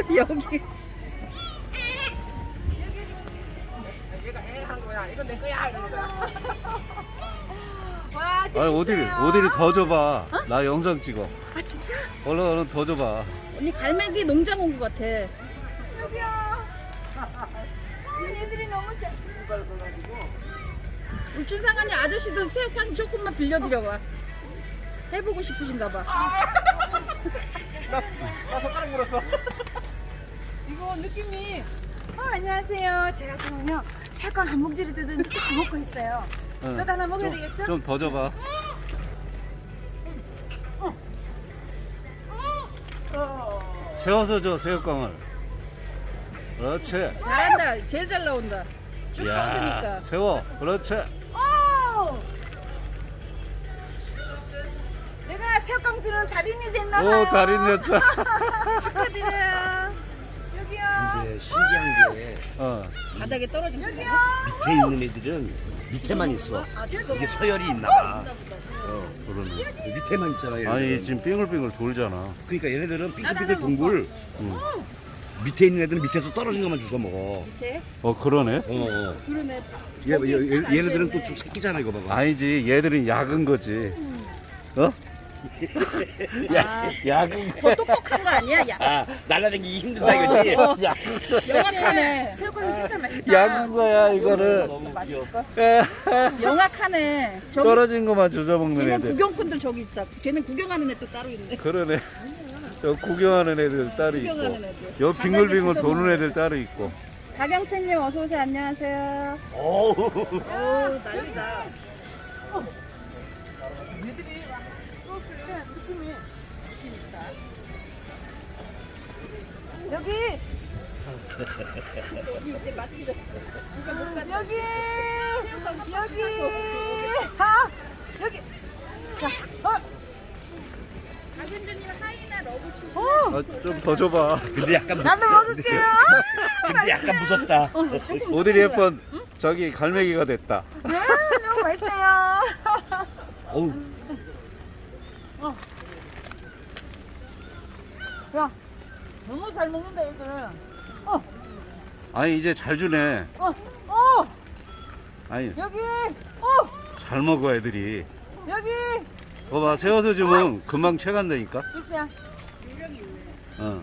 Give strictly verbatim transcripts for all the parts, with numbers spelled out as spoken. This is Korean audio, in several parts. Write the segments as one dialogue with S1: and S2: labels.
S1: 여기.
S2: 얘가 해 하는 거야. 이건 내 거야 이러는 거야.
S1: 와,
S3: 아니
S1: 재밌어요.
S3: 어디를 어디를 더 줘봐. 나 영상 찍어.
S1: 아, 진짜?
S3: 얼른 얼른 더 줘봐.
S1: 언니 갈매기 농장 온 것 같아.
S4: 여기요. 얘들이 너무 잘.
S1: 울춘상하니 아저씨도 새우깡 조금만 빌려드려봐. 해보고 싶으신가 봐.
S2: 나, 나 손가락 물었어.
S4: 이거 느낌이. 어, 안녕하세요. 제가 지금요 새우깡 한 봉지를 뜯은 딱 먹고 있어요.
S3: 응.
S4: 저도 하나 먹어야 되겠죠?
S3: 좀 더 줘봐. 세워서 줘 새우깡을. 그렇지.
S1: 잘한다. 제일 잘 나온다. 쭉 뻗으니까.
S3: 세워. 그렇지.
S4: 오! 내가 새우깡 주는 달인이 됐나봐요.
S3: 오 달인 됐어.
S1: 축하드려요.
S4: 여기요.
S5: 근데 신기한 게
S3: 어.
S1: 바닥에 떨어진 거.
S4: 여기요.
S5: 밑에 있는 애들은 밑에만 있어. 이게 서열이 있나 봐. 어,
S3: 그러네.
S5: 밑에만 있잖아. 얘네들은.
S3: 아니 지금 빙글빙글 돌잖아.
S5: 그러니까 얘네들은
S4: 나도
S5: 빙글빙글
S4: 하나
S5: 동굴. 밑에 있는 애들은 밑에서 떨어진 것만 주워 먹어.
S1: 밑에?
S3: 어 그러네.
S5: 어, 어.
S1: 그러네.
S5: 얘, 얘, 얘네들은 또 쭉 새끼잖아 이거 봐봐.
S3: 아니지 얘들은 약은 거지. 어?
S1: 야,
S3: 약은
S1: 더 똑똑한 거 아니야? 야,
S5: 아, 날라다니기 힘든다
S1: 어,
S5: 이거지?
S1: 어.
S3: 약.
S1: 영악하네.
S4: 새우깡이 진짜 맛있다.
S3: 약은 거야 이거는.
S5: 너무 귀여워.
S1: 영악하네. 저기
S3: 떨어진 것만 주워 먹는
S1: 쟤는
S3: 애들.
S1: 구경꾼들 저기 있다. 쟤는 구경하는 애 또 따로 있네.
S3: 그러네. 저 구경하는 애들 따로
S1: 구경하는
S3: 있고.
S1: 애들.
S3: 여 빙글빙글
S1: 바닥에
S3: 도는
S1: 주워
S3: 애들 따로 있고.
S1: 박영철님 어서 오세요. 안녕하세요.
S5: 어우.
S1: 오 난리다.
S4: 여기. 여기. 여기. 아, 여기. 자, 어.
S1: 박윤주님 하이나 러브 추.
S4: 어.
S3: 아, 좀 더 줘봐.
S5: 근데 약간 무-
S4: 나도 먹을게요.
S5: 근데 약간 무섭다.
S3: 오드리 헵번 저기 갈매기가 됐다.
S4: 네, 너무 맛있어요.
S5: 어우.
S4: 야, 너무 잘 먹는다 얘들은. 어,
S3: 아니 이제 잘 주네.
S4: 어, 어,
S3: 아니
S4: 여기, 어,
S3: 잘 먹어 애들이.
S4: 여기
S3: 봐봐 세워서 주면 금방 채간다니까.
S4: 있어요.
S3: 어,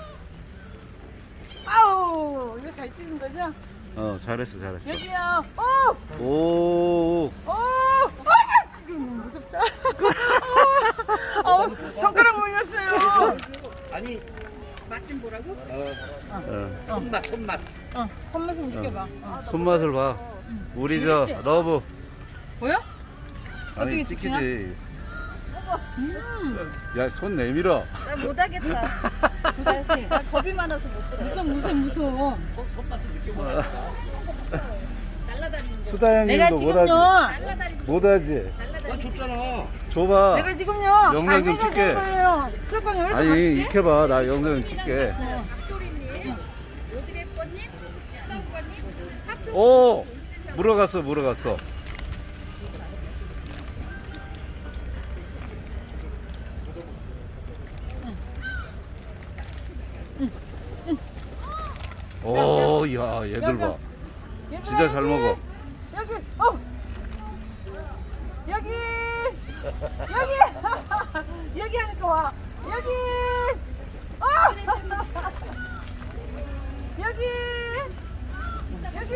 S4: 아우, 이거 잘 찍는 거죠?
S3: 어 잘했어 잘했어.
S4: 여기요. 어,
S3: 오,
S4: 어, 이거 너무 무섭다. 어, 손가락 물렸어요.
S5: 아니,
S1: 맛 좀 보라고?
S3: 어,
S5: 손맛, 손맛.
S4: 어, 한 말씀 느껴봐. 어.
S3: 손맛을 봐. 우리 저 러브.
S4: 보여?
S3: 아니
S4: 어떻게 찍히나?
S3: 찍히지. 야 손 내밀어.
S1: 나 못하겠다.
S4: 그렇지.
S1: 나 겁이 많아서 못 들어.
S4: 무서워, 무서워, 무서워.
S1: 날라다니는 거.
S3: 수다
S4: 내가
S3: 형님도
S4: 지금요.
S3: 못하지.
S1: 날라다니는
S3: 못하지.
S5: 나 줬잖아.
S3: 줘봐.
S4: 내가 지금요.
S3: 영상 좀
S4: 갈매기가
S3: 찍게.
S4: 된 거예요. 술빵이 왜 이렇게
S3: 아니
S4: 맛있지?
S3: 익혀봐. 나 영상 찍게.
S1: 소리님, 오드레퍼님, 서우관님,
S3: 오, 물어갔어 물어갔어. 오, 야, 얘들 봐.
S4: 얘들아,
S3: 진짜 잘
S4: 여기.
S3: 먹어.
S4: 여기, 어, 여기, 여기, 여기 하니까 와. 여기, 어, 여기, 여기,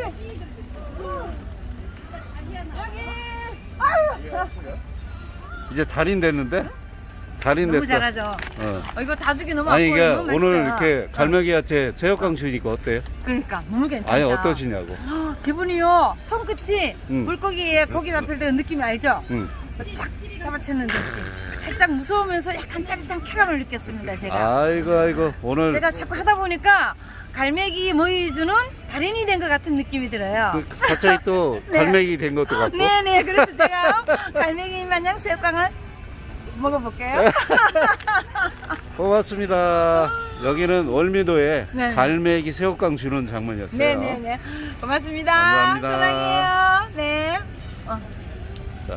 S4: 여기, 아유.
S3: 이제 달인 됐는데? 달인
S4: 너무
S3: 됐어.
S4: 잘하죠.
S3: 어.
S4: 어, 이거 다죽이 너무
S3: 아니
S4: 아파요.
S3: 이게
S4: 너무
S3: 오늘
S4: 맛있어요.
S3: 이렇게 갈매기한테 새우깡 주니까 어때요?
S4: 그러니까 너무 괜찮다.
S3: 아니 어떠시냐고.
S4: 기분이요. 손끝이
S3: 응.
S4: 물고기에 고기 잡힐 때 느낌이 알죠?
S3: 응.
S4: 착 잡아채는 느낌. 살짝 무서우면서 약간 짜릿한 쾌감을 느꼈습니다. 제가.
S3: 아이고 아이고 오늘
S4: 제가 자꾸 하다 보니까 갈매기 모이주는 달인이 된 것 같은 느낌이 들어요.
S3: 그 갑자기 또
S4: 네.
S3: 갈매기 된 것도 같고.
S4: 네네. 그래서 제가 갈매기 마냥 새우깡을 먹어볼게요.
S3: 고맙습니다. 여기는 월미도에
S4: 네.
S3: 갈매기 새우깡 주는 장면이었어요.
S4: 네네네. 고맙습니다.
S3: 감사합니다.
S4: 사랑해요. 네. 어.